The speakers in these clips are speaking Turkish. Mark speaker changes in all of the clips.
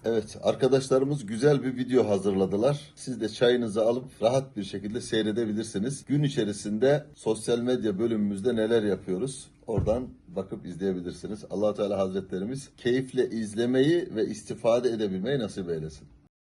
Speaker 1: Evet, arkadaşlarımız güzel bir video hazırladılar. Siz de çayınızı alıp rahat bir şekilde seyredebilirsiniz. Gün içerisinde sosyal medya bölümümüzde neler yapıyoruz? Oradan bakıp izleyebilirsiniz. Allah Teala Hazretlerimiz keyifle izlemeyi ve istifade edebilmeyi nasip eylesin.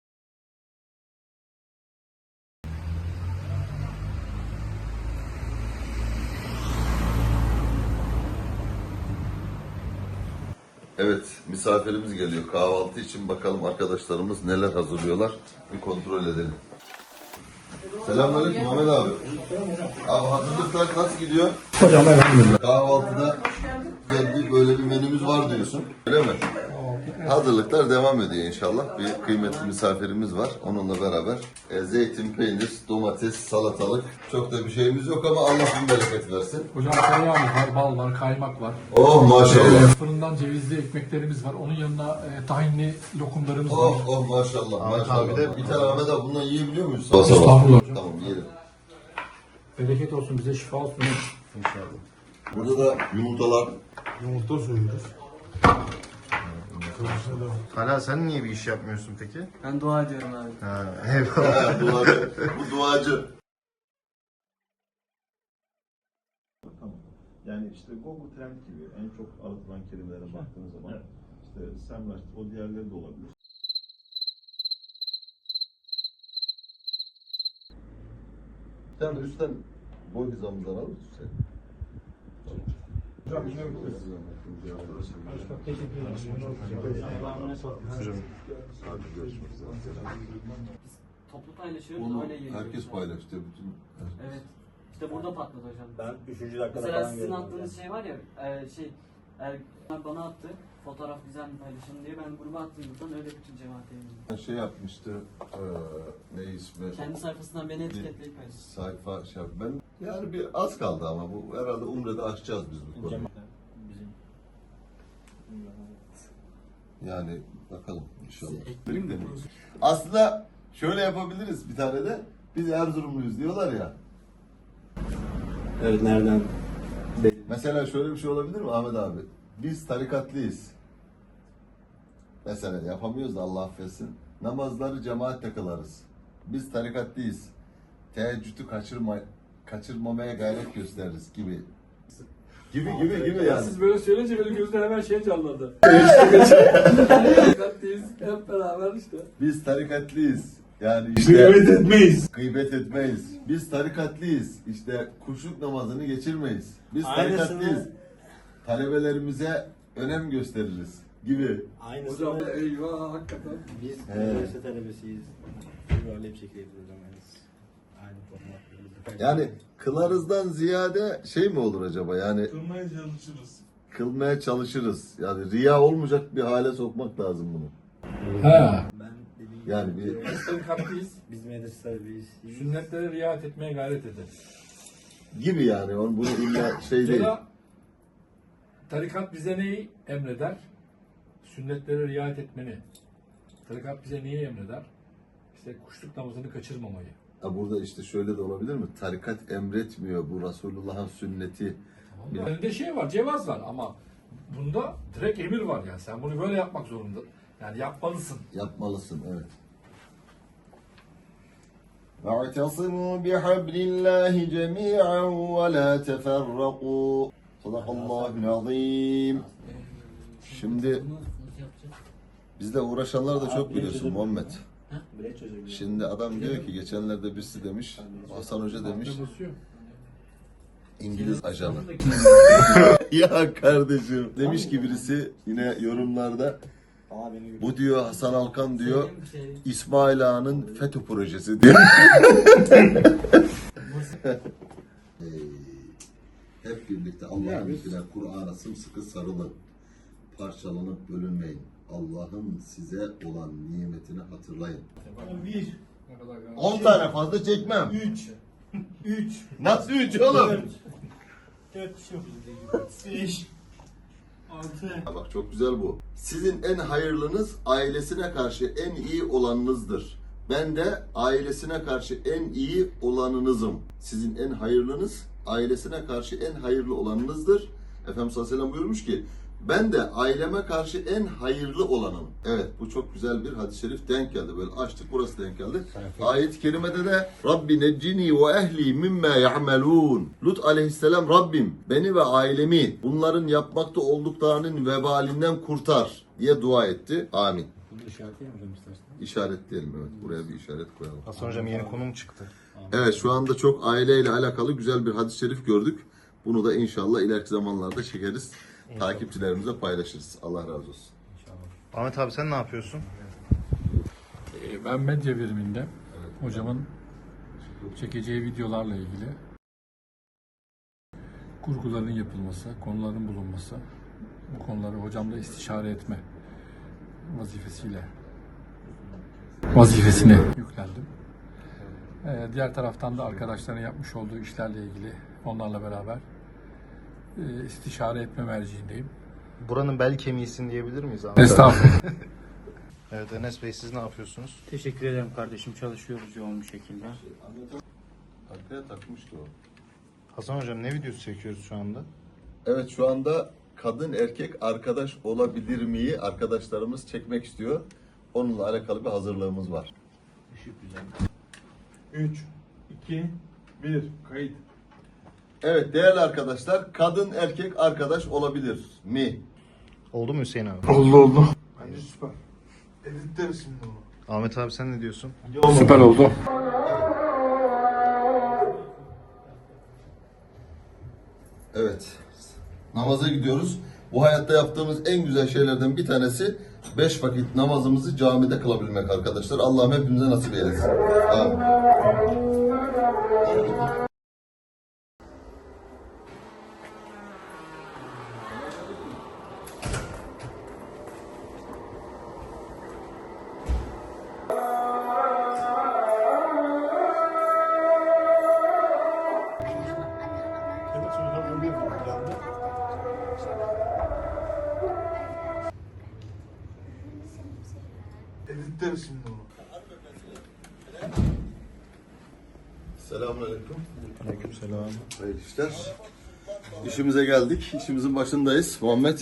Speaker 1: Evet, misafirimiz geliyor kahvaltı için. Bakalım arkadaşlarımız neler hazırlıyorlar. Bir kontrol edelim. Selamünaleyküm Ahmet abi. Abi hazırlıklar nasıl gidiyor?
Speaker 2: Hocam elhamdülillah.
Speaker 1: Kahvaltıda geldi böyle bir menümüz var diyorsun. Öyle mi? Hazırlıklar devam ediyor inşallah. Bir kıymetli misafirimiz var. Onunla beraber zeytin, peynir, domates, salatalık. Çok da bir şeyimiz yok ama Allah bin bereket versin.
Speaker 2: Hocam tereyağımız var, bal var, kaymak var.
Speaker 1: Oh maşallah.
Speaker 2: Fırından cevizli ekmeklerimiz var. Onun yanına tahinli lokumlarımız var.
Speaker 1: Oh maşallah. Maşallah. Bir tane Ahmet abi bundan yiyebiliyor muyuz?
Speaker 2: Estağfurullah hocam.
Speaker 1: Tamam yiyelim.
Speaker 2: Bereket olsun, bize şifa olsun. İnşallah.
Speaker 1: Burada da yumurtalar.
Speaker 2: Yumurta soyuyoruz.
Speaker 3: Hala sen niye bir iş yapmıyorsun peki?
Speaker 4: Ben dua ediyorum abi.
Speaker 3: Ha, eyvallah.
Speaker 1: Duacı. Bu duacı.
Speaker 5: Yani işte Google Trend gibi en çok aratılan kelimelere baktığınız zaman işte Semrush, o diğerleri de olabilir.
Speaker 1: Sen de üstten boy hizamızdan alır mısın sen?
Speaker 5: Hocam yine
Speaker 4: Toplu paylaşıyoruz,
Speaker 1: Onu
Speaker 4: öyle yiyoruz.
Speaker 1: herkes paylaştı. Bütün
Speaker 4: Evet. İşte burada patladı hocam.
Speaker 6: Ben 3. dakikada
Speaker 4: Mesela
Speaker 6: falan
Speaker 4: sizin
Speaker 6: gördüm.
Speaker 4: attığınız şey var ya, bana attı, fotoğraf güzel mi paylaşın diye ben gruba attım buradan, öyle bütün cemaate yayınladım.
Speaker 1: şey yapmıştı. Ne ismi?
Speaker 4: Kendi sayfasından beni etiketleyip paylaştı.
Speaker 1: Sayfa şey yap- Ben yani bir az kaldı ama bu herhalde Umre'de aşacağız biz bu konuyu. Yani bakalım inşallah. Benim de aslında şöyle yapabiliriz bir tane de. Biz Erzurumluyuz diyorlar ya.
Speaker 6: Evet, nereden?
Speaker 1: Mesela şöyle bir şey olabilir mi Ahmet abi? Biz tarikatlıyız. Mesela yapamıyoruz da Allah affetsin. Namazları cemaatle kılarız. Biz tarikatlıyız. Teheccüdü kaçırmamaya gayret gösteririz gibi. Gibi yani.
Speaker 2: Siz böyle söyleyince benim gözümde hemen şey canlandı. Dikkatliyiz, hep beraber işte.
Speaker 1: Biz tarikatlıyız. Yani işte gıybet etmeyiz. Biz tarikatlıyız. İşte kuşluk namazını geçirmeyiz. Biz tarikatlıyız. Talebelerimize önem gösteririz gibi.
Speaker 6: Aynısını
Speaker 2: Hocam eyvah hakikaten.
Speaker 6: biz
Speaker 1: He.
Speaker 6: üniversite talebesiyiz. Böyle bir şekilde yapıyoruz ama aynı formatlarımızda.
Speaker 1: Yani kılarızdan ziyade şey mi olur acaba? Yani kılmaya çalışırız. Yani riya olmayacak bir hale sokmak lazım bunu.
Speaker 2: Ha.
Speaker 6: Ben dediğim
Speaker 1: Yani bir
Speaker 2: Biz tarikatlıyız.
Speaker 6: biz medrese talebeyiz.
Speaker 2: Sünnetlere riayet etmeye gayret ederiz.
Speaker 1: gibi yani. Bunu illa şey değil.
Speaker 2: Mesela tarikat bize neyi emreder? Sünnetlere riayet etmeni. Tarikat bize neyi emreder? İşte kuşluk namazını kaçırmamayı.
Speaker 1: Ha, burada işte şöyle de olabilir mi? Tarikat emretmiyor. Bu Resulullah'ın sünneti.
Speaker 2: Elinde şey var, cevaz var ama bunda direkt emir var yani. Sen bunu böyle yapmak zorunda. Yani yapmalısın.
Speaker 1: Yapmalısın, evet. وَاعْتَصِمُوا بِحَبْلِ اللّٰهِ جَمِيعًا وَلَا تَفَرَّقُوا Sadakallahul azim. Şimdi bizle uğraşanlar da çok biliyorsun Muhammed.
Speaker 6: Bile çözebilirim.
Speaker 1: Şimdi adam diyor ki geçenlerde birisi demiş, Hasan Hoca demiş, İngiliz ajanı. Ya kardeşim. Demiş ki birisi yine yorumlarda,
Speaker 6: Ama beni
Speaker 1: bu diyor Hasan Alkan diyor, İsmail Ağa'nın FETÖ projesi diyor. Hep birlikte Allah'ın izniyle Kur'an'a sımsıkı sarılın. Parçalanıp bölünmeyin. Allah'ın size olan nimetini hatırlayın. 10 tane fazla çekmem. 3. Nasıl 3 oğlum? 5. Bak çok güzel bu. Sizin en hayırlınız ailesine karşı en iyi olanınızdır. Ben de ailesine karşı en iyi olanınızım. Sizin en hayırlınız ailesine karşı en hayırlı olanınızdır. Efendimiz sallallahu aleyhi ve sellem buyurmuş ki Ben de aileme karşı en hayırlı olanım. Evet, bu çok güzel bir hadis-i şerif denk geldi. Böyle açtık, burası denk geldi. Ayet-i kerimede de Rabbi neccini ve ehli mimme ya'melun. Lut aleyhisselam, Rabbim beni ve ailemi bunların yapmakta olduklarının vebalinden kurtar diye dua etti. Amin.
Speaker 6: Bunu işaretleyelim hocam istersen.
Speaker 1: İşaretleyelim, evet. Buraya bir işaret koyalım.
Speaker 3: Hasan hocam yeni konum çıktı.
Speaker 1: Evet, şu anda çok aileyle alakalı güzel bir hadis-i şerif gördük. Bunu da inşallah ileriki zamanlarda çekeriz. Takipçilerimize paylaşırız. Allah razı olsun.
Speaker 3: Ahmet abi sen ne yapıyorsun?
Speaker 2: Ben medya biriminde hocamın çekeceği videolarla ilgili kurguların yapılması, konuların bulunması, bu konuları hocamla istişare etme vazifesine yüklendim. Diğer taraftan da arkadaşların yapmış olduğu işlerle ilgili onlarla beraber istişare etme merciindeyim.
Speaker 3: Buranın bel kemiğisin diyebilir miyiz Ahmet abi?
Speaker 2: Estağfurullah.
Speaker 3: Evet Enes Bey siz ne yapıyorsunuz?
Speaker 4: Teşekkür ederim kardeşim. Çalışıyoruz yoğun bir şekilde.
Speaker 1: Arkaya takmıştı o.
Speaker 3: Hasan hocam ne videosu çekiyoruz şu anda?
Speaker 1: Evet, şu anda kadın erkek arkadaş olabilir miyi arkadaşlarımız çekmek istiyor. Onunla alakalı bir hazırlığımız var.
Speaker 5: 3, 2, 1, kayıt.
Speaker 1: Evet değerli arkadaşlar, kadın erkek arkadaş olabilir mi?
Speaker 3: Oldu mu Hüseyin abi?
Speaker 7: Oldu. Bence süper. Editleriz şimdi onu.
Speaker 3: Ahmet abi sen ne diyorsun?
Speaker 2: Süper oldu.
Speaker 1: Evet. Namaza gidiyoruz. Bu hayatta yaptığımız en güzel şeylerden bir tanesi 5 vakit namazımızı camide kılabilmek arkadaşlar. Allah'ım hepimize nasip eylesin. Amin.
Speaker 7: Editleriz şimdi onu.
Speaker 1: Selamünaleyküm.
Speaker 3: Aleykümselam.
Speaker 1: Hayırlı işler. İşimize geldik. İşimizin başındayız. Muhammed.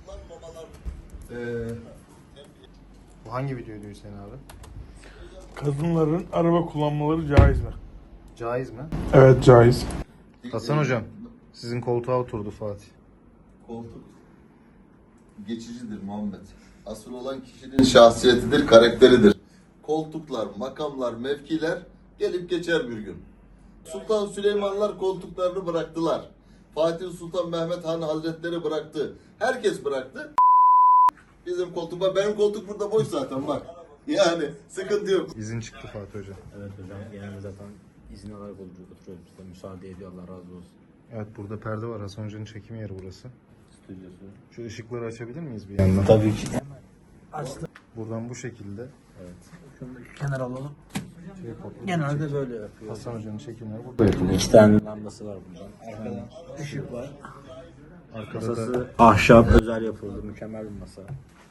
Speaker 3: Bu hangi videoydu Hüseyin abi?
Speaker 7: Kadınların araba kullanmaları caiz mi?
Speaker 3: Caiz mi?
Speaker 7: Evet caiz.
Speaker 3: Hasan hocam sizin koltuğa oturdu Fatih.
Speaker 1: Koltuk geçicidir Muhammed. Asıl olan kişinin şahsiyetidir, karakteridir. Koltuklar, makamlar, mevkiler gelip geçer bir gün. Sultan Süleymanlar koltuklarını bıraktılar. Fatih Sultan Mehmet Han Hazretleri bıraktı. Herkes bıraktı. Bizim koltuk, benim koltuk burada boş zaten bak. Yani sıkıntı yok.
Speaker 3: İzin çıktı Fatih hocam.
Speaker 6: Evet hocam genelde zaten izin alarak oturuyoruz. Bize müsaade ediyor, Allah razı olsun.
Speaker 3: Evet burada perde var. Hasan hocanın çekim yeri burası.
Speaker 6: Stüdyosu.
Speaker 3: Şu ışıkları açabilir miyiz bir yandan?
Speaker 6: Tabii ki.
Speaker 3: Buradan bu şekilde.
Speaker 6: Evet. Şunu kenar alalım. Genelde böyle yapıyor.
Speaker 3: Hasan hocanın çekimleri burada yapılıyor.
Speaker 6: 2 tane lambası var buradan. Arkadan ışık var.
Speaker 3: Arkada da
Speaker 6: Masası ahşap özel yapıldı. Mükemmel bir masa.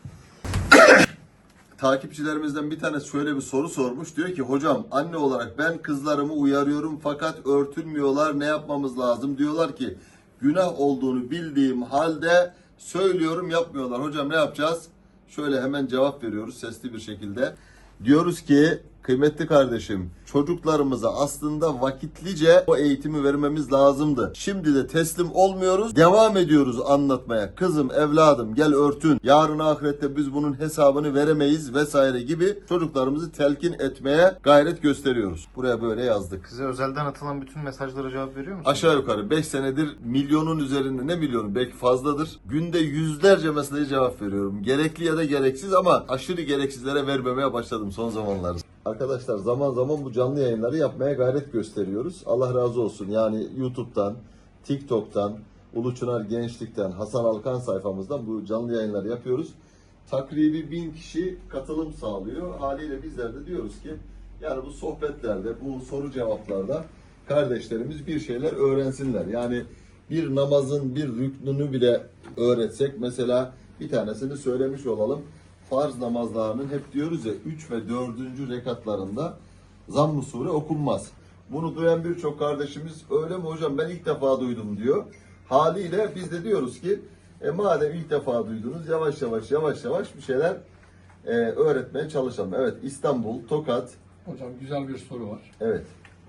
Speaker 1: Takipçilerimizden bir tanesi şöyle bir soru sormuş. Diyor ki hocam anne olarak ben kızlarımı uyarıyorum fakat örtünmüyorlar. Ne yapmamız lazım? Diyorlar ki günah olduğunu bildiğim halde söylüyorum yapmıyorlar. Hocam ne yapacağız? Şöyle hemen cevap veriyoruz sesli bir şekilde. Diyoruz ki kıymetli kardeşim çocuklarımıza aslında vakitlice o eğitimi vermemiz lazımdı. Şimdi de teslim olmuyoruz. Devam ediyoruz anlatmaya. Kızım, evladım gel örtün. Yarın ahirette biz bunun hesabını veremeyiz vesaire gibi çocuklarımızı telkin etmeye gayret gösteriyoruz. Buraya böyle yazdık.
Speaker 3: size özelden atılan bütün mesajlara cevap veriyor musunuz?
Speaker 1: Aşağı yukarı 5 senedir milyonun üzerinde, ne milyonu belki fazladır. Günde yüzlerce mesajı cevap veriyorum. Gerekli ya da gereksiz ama aşırı gereksizlere vermemeye başladım son zamanlarda. Arkadaşlar zaman zaman bu canlı yayınları yapmaya gayret gösteriyoruz. Allah razı olsun. Yani YouTube'dan, TikTok'tan, Uluçınar Gençlik'ten, Hasan Alkan sayfamızdan bu canlı yayınları yapıyoruz. Takribi 1000 kişi katılım sağlıyor. Haliyle bizler de diyoruz ki yani bu sohbetlerde, bu soru cevaplarda kardeşlerimiz bir şeyler öğrensinler. Yani bir namazın bir rüknünü bile öğretsek, mesela bir tanesini söylemiş olalım. Farz namazlarının hep diyoruz ya 3 ve 4. rekatlarında Zamm-ı Sure okunmaz. Bunu duyan birçok kardeşimiz öyle mi hocam ben ilk defa duydum diyor. Haliyle biz de diyoruz ki Madem ilk defa duydunuz yavaş yavaş bir şeyler öğretmeye çalışalım. Evet, İstanbul, Tokat.
Speaker 2: Hocam güzel bir soru var.
Speaker 1: Evet.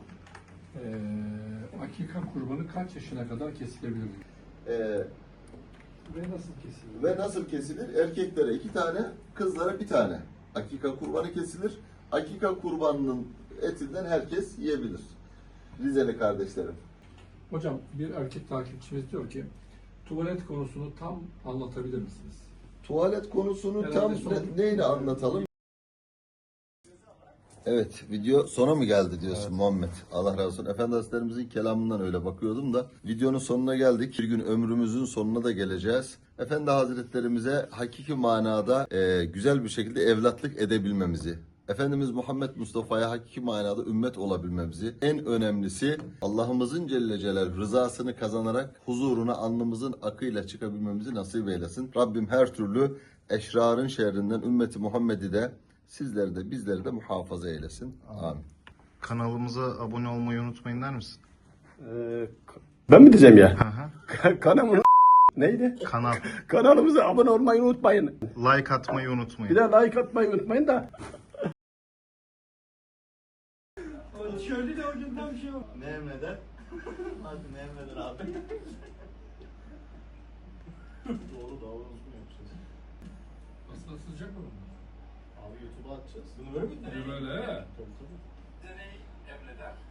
Speaker 2: Akika kurbanı kaç yaşına kadar kesilebilir?
Speaker 1: E,
Speaker 2: Ve nasıl kesilir?
Speaker 1: Ve nasıl kesilir? Erkeklere 2 tane, kızlara 1 tane. Akika kurbanı kesilir. Akika kurbanının etinden herkes yiyebilir. Rizeli kardeşlerim.
Speaker 2: Hocam bir erkek takipçimiz diyor ki tuvalet konusunu tam anlatabilir misiniz?
Speaker 1: Tuvalet konusunu
Speaker 2: Herhalde
Speaker 1: tam neyle anlatalım? Evet, video sona mı geldi diyorsun Muhammed? Allah razı olsun. Efendi Hazretlerimizin kelamından öyle bakıyordum da videonun sonuna geldik. Bir gün ömrümüzün sonuna da geleceğiz. Efendi Hazretlerimize hakiki manada güzel bir şekilde evlatlık edebilmemizi, Efendimiz Muhammed Mustafa'ya hakiki manada ümmet olabilmemizi, en önemlisi Allah'ımızın Celle Celaluhu rızasını kazanarak huzuruna alnımızın akıyla çıkabilmemizi nasip eylesin. Rabbim her türlü eşrarın şerrinden ümmeti Muhammed'i de sizleri de bizleri de muhafaza eylesin. Amin.
Speaker 3: Kanalımıza abone olmayı unutmayın der misin?
Speaker 8: Ben mi diyeceğim ya?
Speaker 3: Hı hı.
Speaker 8: Kanalımın neydi?
Speaker 3: Kanal.
Speaker 8: Kanalımıza abone olmayı unutmayın.
Speaker 3: Like atmayı
Speaker 8: Bir
Speaker 3: unutmayın.
Speaker 8: de like atmayı unutmayın da.
Speaker 4: Şöyle de hocam tam şey var.
Speaker 5: Ne emreder? Hadi ne emreder abi? Doğru mu yapacağız?
Speaker 2: Aslında sıcak mı?
Speaker 5: Abi YouTube'a atacağız. Bunu böyle mi?
Speaker 2: Böyle.
Speaker 5: Tabii.
Speaker 2: Bize neyi emreder?